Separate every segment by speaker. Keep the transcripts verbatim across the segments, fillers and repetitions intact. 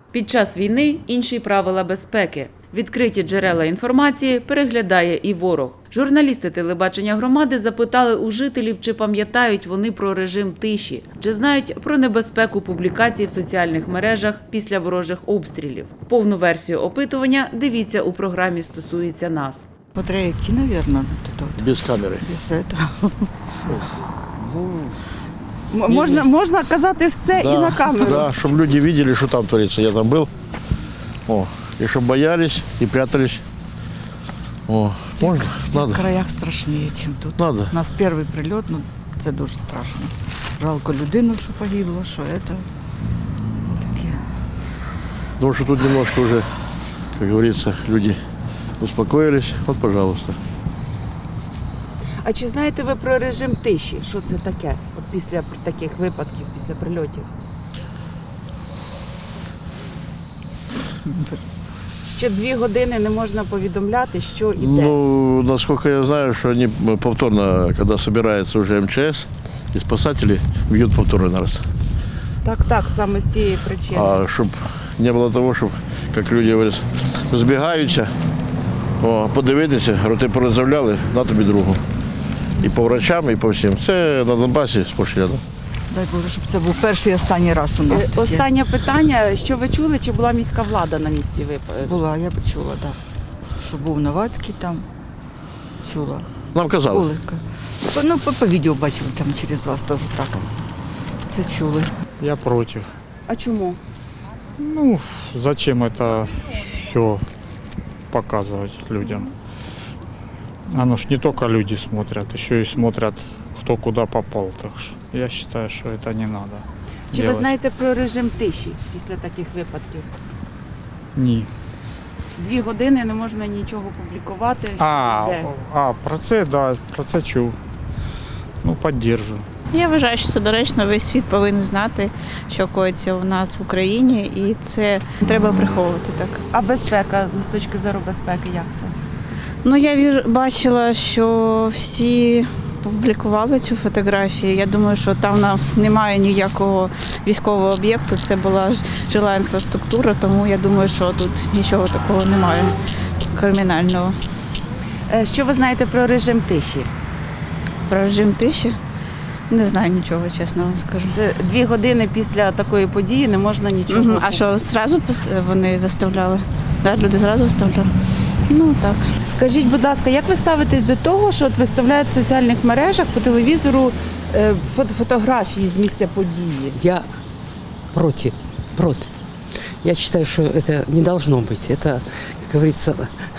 Speaker 1: Під час війни інші правила безпеки. Відкриті джерела інформації переглядає і ворог. Журналісти телебачення громади запитали у жителів, чи пам'ятають вони про режим тиші, чи знають про небезпеку публікацій в соціальних мережах після ворожих обстрілів. Повну версію опитування дивіться у програмі «Стосується нас».
Speaker 2: Смотря які, наверное, вот это вот.
Speaker 3: Без камери.
Speaker 2: Без этого.
Speaker 4: М- Можна, можна казати все і на камеру.
Speaker 3: Да, щоб люди бачили, що там твориться. Я там був. О, і щоб боялись і прятались. О, можна?
Speaker 2: В
Speaker 3: Надо.
Speaker 2: цих краях страшніше, ніж тут.
Speaker 3: Надо.
Speaker 2: У нас перший прильот, ну це дуже страшно. Жалко людину, що погибло, що це таке.
Speaker 3: Потому что тут немножко уже, как говорится, люди успокоились. Вот, пожалуйста.
Speaker 4: А чи знаєте ви про режим тиші? Що це таке? От після таких випадків, після прильотів? Що дві години не можна повідомляти, що і де.
Speaker 3: Ну, насколько я знаю, что они повторно, когда собирается уже эм че эс, и спасатели бьют повторно раз.
Speaker 4: Так, так, саме з цієї причини.
Speaker 3: А щоб не було того, щоб, як люди говорять, збігаються, о, подивитися, роти порозявляли, на тобі другу. І по врачам, і по всім. Це на Донбасі сплошь рядом.
Speaker 2: Дай Боже, щоб це був перший і останній раз у нас
Speaker 4: Е,
Speaker 2: таке.
Speaker 4: Останнє питання. Що ви чули, чи була міська влада на місці випадку?
Speaker 2: Була, я б чула, так. Да. Що був Новацький там, чула.
Speaker 3: Нам казали.
Speaker 2: Були. Ну, по, по відео бачили там через вас теж так. Це чули.
Speaker 5: Я против.
Speaker 4: А чому?
Speaker 5: Ну, зачем это все показывать людям? Оно ж не только люди смотрят, еще и смотрят, кто куда попал. Так что я считаю, что это не надо.
Speaker 4: Чи ви
Speaker 5: делать.
Speaker 4: знаєте про режим тиші після таких випадків?
Speaker 5: Ні.
Speaker 4: Дві години не можна нічого публікувати. що
Speaker 5: А,
Speaker 4: і де.
Speaker 5: а, про це, да, про це чув. Ну, підтримую.
Speaker 6: Я вважаю, що це доречно, весь світ повинен знати, що коїться у нас в Україні, і це треба приховувати так.
Speaker 4: А безпека, ну, з точки зору безпеки, як це?
Speaker 6: Ну, я вір- бачила, що всі публікували цю фотографію. Я думаю, що там у нас немає ніякого військового об'єкту, це була ж- жила інфраструктура, тому я думаю, що тут нічого такого немає кримінального.
Speaker 4: Е, Що ви знаєте про режим тиші?
Speaker 6: Про режим тиші не знаю нічого, чесно вам скажу.
Speaker 4: Це дві години після такої події не можна нічого.
Speaker 6: Мгм. А що, зразу пос- вони виставляли? Да, люди зразу виставляли? Ну так.
Speaker 4: Скажіть, будь ласка, як ви ставитесь до того, що от виставляють в соціальних мережах по телевізору е, фото- фотографії з місця події?
Speaker 7: Я против, против. Я считаю, что это не должно быть. Это, как говорится,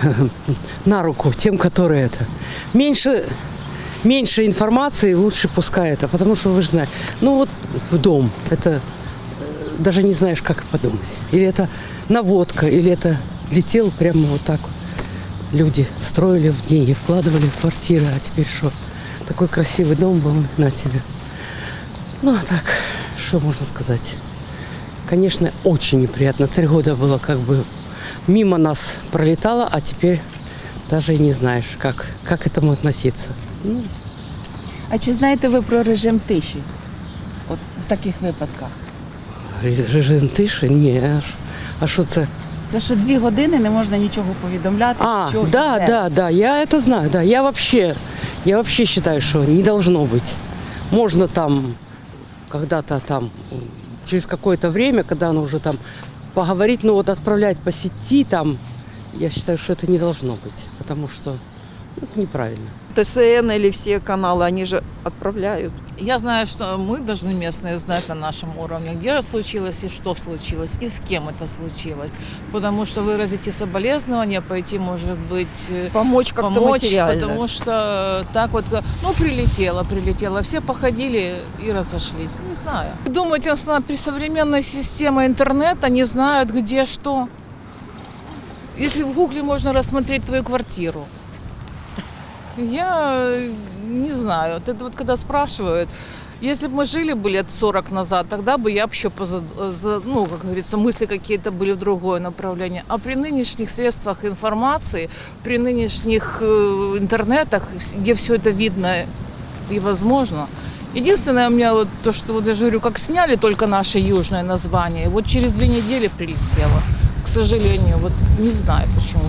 Speaker 7: на руку тем, которые это. Меньше, меньше информации, лучше пускай это. Потому что, вы же знаете, ну вот в дом, это э, даже не знаешь, как подумать. Или это наводка, или это летел прямо вот так вот. Люди строили в деньги, вкладывали в квартиры, а теперь что? Такой красивый дом был на тебе. Ну, а так, что можно сказать? Конечно, очень неприятно. Три года было как бы мимо нас пролетало, а теперь даже и не знаешь, как, как к этому относиться. Ну,
Speaker 4: А чи знаєте ви про режим тиші? От в таких випадках?
Speaker 7: режим тиши? Не, а ш- а что это?
Speaker 4: Це що дві години не можна нічого повідомляти.
Speaker 7: А,
Speaker 4: що і
Speaker 7: да,
Speaker 4: де.
Speaker 7: да, да, я это знаю, да. Я вообще, я вообще считаю, что не должно быть. Можно там, когда-то там, через какое-то время, когда оно уже там поговорить, ну вот отправлять по сети там, я считаю, что это не должно быть, потому что ну, это неправильно.
Speaker 8: Т С Н или все каналы, они же отправляют.
Speaker 9: Я знаю, что мы должны местные знать на нашем уровне, где случилось и что случилось, и с кем это случилось. Потому что выразить и соболезнования, пойти, может быть,
Speaker 8: Помочь как-то
Speaker 9: помочь,
Speaker 8: материально.
Speaker 9: потому что так вот, ну, прилетело, прилетело, все походили и разошлись, не знаю. Думаете, при современной системе интернета не знают, где что? Если в Гугле можно рассмотреть твою квартиру, я не знаю. Вот это вот когда спрашивают, если бы мы жили бы лет сорок назад, тогда бы я еще, ну, как говорится, мысли какие-то были в другое направление. А при нынешних средствах информации, при нынешних э, интернетах, где все это видно и возможно, Единственное, у меня вот то, что вот я же говорю, как сняли только наше южное название, вот через две недели прилетело. К сожалению, вот не знаю почему.